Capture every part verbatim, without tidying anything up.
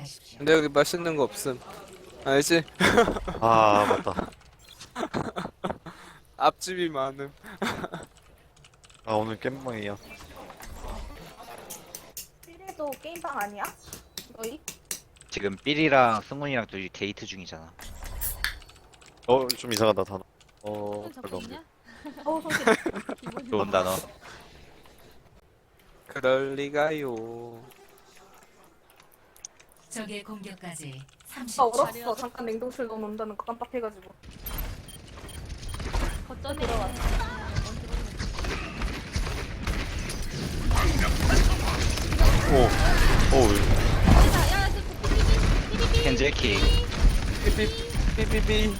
선택하십시오. 근데 여기 맛있는 거 없음. 알지? 아 맞다. 앞집이 많음. 아 오늘 깻모이야. 삐리도 게임방 아니야? 너희? 지금 삘이랑 승훈이랑 둘이 데이트 중이잖아. 어 좀 이상하다 단어. 어 별로 없네. 어우 손실. 좋은 단어. 그럴 리가요. 적의 공격까지 아 삼십 초. 얼었어. 잠깐 냉동실 넣어놓는다는 거 깜빡해가지고. 거점에 오. 오. 야야 삐삐삐삐삐삐 켄제키. 삐삐 삐삐삐.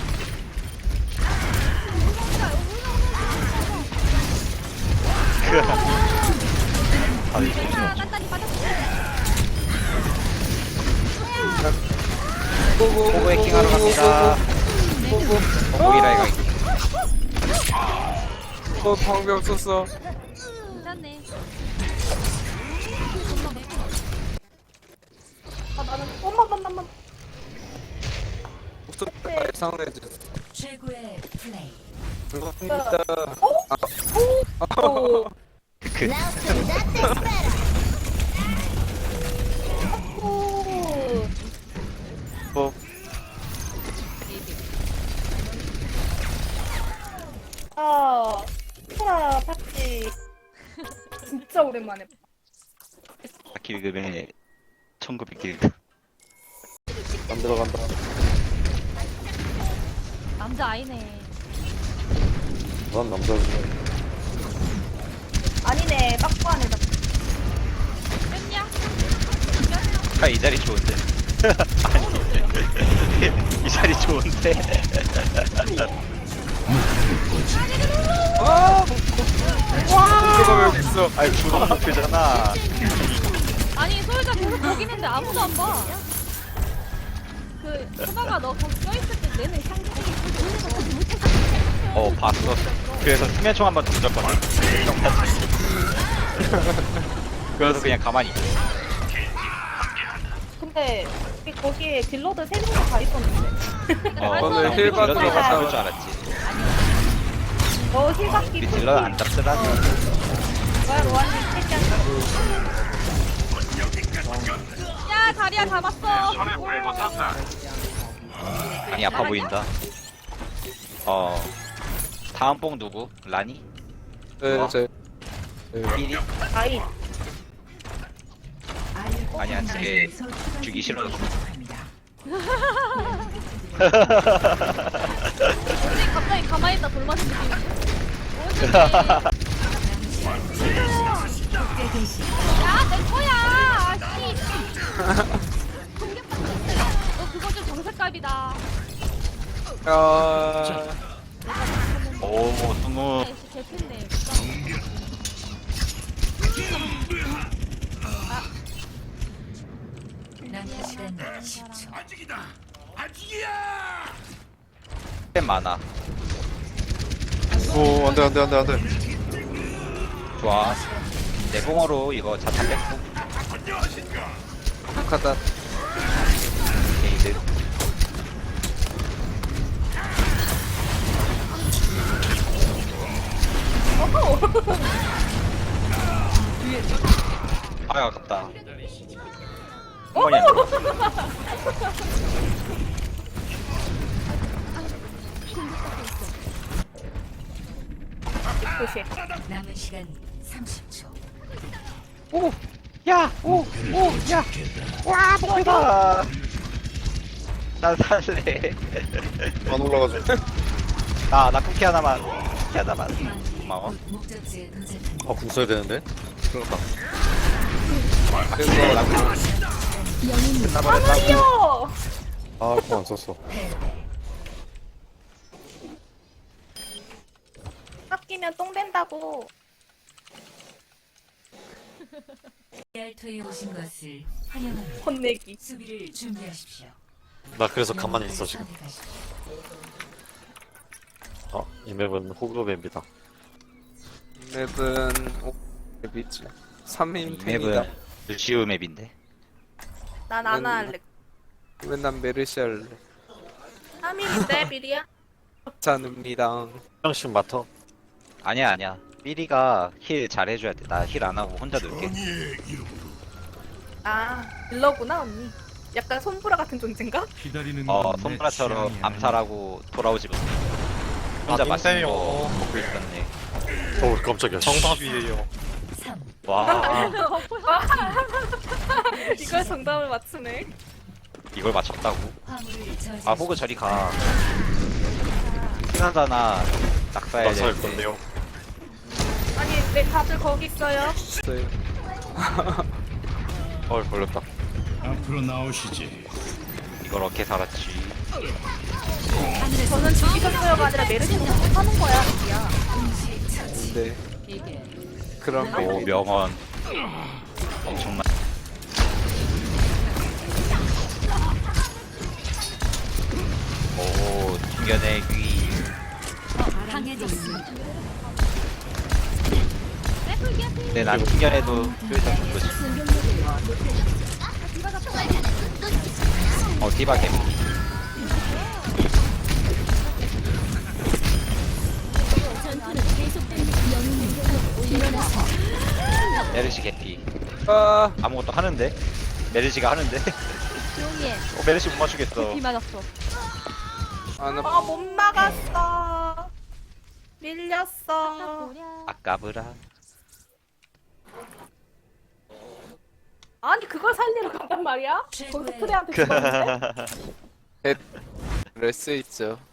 아 이거 야 깐다니 빠졌어. 고고. 호구 해킹하러 갑니다. 호구이라 이거. 어 방벽 썼어. 괜찮네. 아 나는 엄마 엄마 엄마. 목소리가 예상해줘. 최고의 플레이. 감사합니다. 오. 그 오. 뭐 아. 프라 파티. 진짜 오랜만에. 길금에 천구백 길. 안 들어간다. 남자 아이네. 난 남자지. 아니네. 빠꾸 안에다. 뺐냐? 아이 자리 좋은데. 아니, 이 자리 좋은데. 와. 와. 여기 있어. 아이 주방 목표잖아. 아니 소유자 계속 거기 있는데 아무도 안 봐. 그 소바가 너 거기 껴있을 때 내는 상징이 어 봤어. 그래서 수면총 한번 던졌거든. 그래서 그냥 가만히 있어. 근데 우리 거기에 딜러들 세 명도 다 있었는데. 어, 오늘 힐 받으러 딜러들이 갔다 잡을 줄 알았지. 너 힐받기 우리 딜러는 안 잡더라고. 뭐야 로아님 패션. 야 다리야 잡았어. 많이 아파 보인다. 어 다음 뽕 누구? 라니? 네, 제. 삐리? 아이. 아니야, 쟤 주기 싫어서. 근데 갑자기 가만히 있다 돌맞은 느낌인데? 야내 거야. 아씨. 너 그거 좀 정색깔이다. 아. 오 승우. 씨 개핀데. 남은 시간 십 초. 템 많아. 오 안돼 안돼 안돼 안돼. 좋아. 내공어로 이거 자탄 뺐고. 가다. 게이드. 아 아깝다. 어머니 안 돼. 도시. 남은 시간 삼십 초. 오! 야! 오! 오! 야! 와! 목표다! 난 살래. 안 올라가지. 나, 나 쿠키 하나만. 쿠키 하나만. 고마워. 목적지에 도착합니다. 아궁 써야 되는데. 그렇다. 그래서 하늘이요. 아궁 안 썼어. 아끼면 똥 된다고. 알토에 오신 것을 환영합니다. 혼내기. 수비를 준비하십시오. 나 그래서 가만히 있어 지금. 선택하십시오. 어, 이 맵은 호그 맵이다. 맵은 오 맵이지. 삼 인 이 탱이다. 맵은 루시우 맵인데. 난 아나 할래. 맨날 메르시 할래. 삼일인데 미리야? 괜찮습니다. 형씩 맡어. 아니야 아니야. 삐리가 힐 잘해줘야 돼. 나 힐 안 하고 혼자 놀게. 아 딜러구나 언니. 약간 손브라 같은 존재인가? 기다리는 어 건 내 손브라처럼 취향이 암살하고 돌아오지 못. 혼자 아, 맛있는 땡땡이요. 거 먹고 있었네. 어 깜짝이야. 정답이에요. 삼. 와 이걸 정답을 맞추네. 이걸 맞췄다고? 화물을 저지. 아 호그 저리 가. 피난자나 낙사해야 낙사할 되는데. 건데요. 아니 네 다들 거기 있어요. 있어요. 어 걸렸다. 앞으로 나오시지. 이걸 어떻게 살았지? 저는 죽이셨어요가 아니라 메르시는 하는 거야. 야. 동시 처치. 네. 이게 그런 오 거. 명언. 엄청나. 오 튕겨내기. 강해졌습니다. 근데 난 튕겨내도 효율상 좋거지. 어 디바 개미. 메르시 개피. 아, 아무것도 하는데? 메르시가 하는데? 조용히 해. 어 메르시 못 맞추겠어. 비 맞았어. 아나 아 못 나갔어. 밀렸어. 아까브라. 아니 그걸 살리러 간단 말이야? 거기서 최고의 트레한테 죽었는데? 그럴 수 있죠.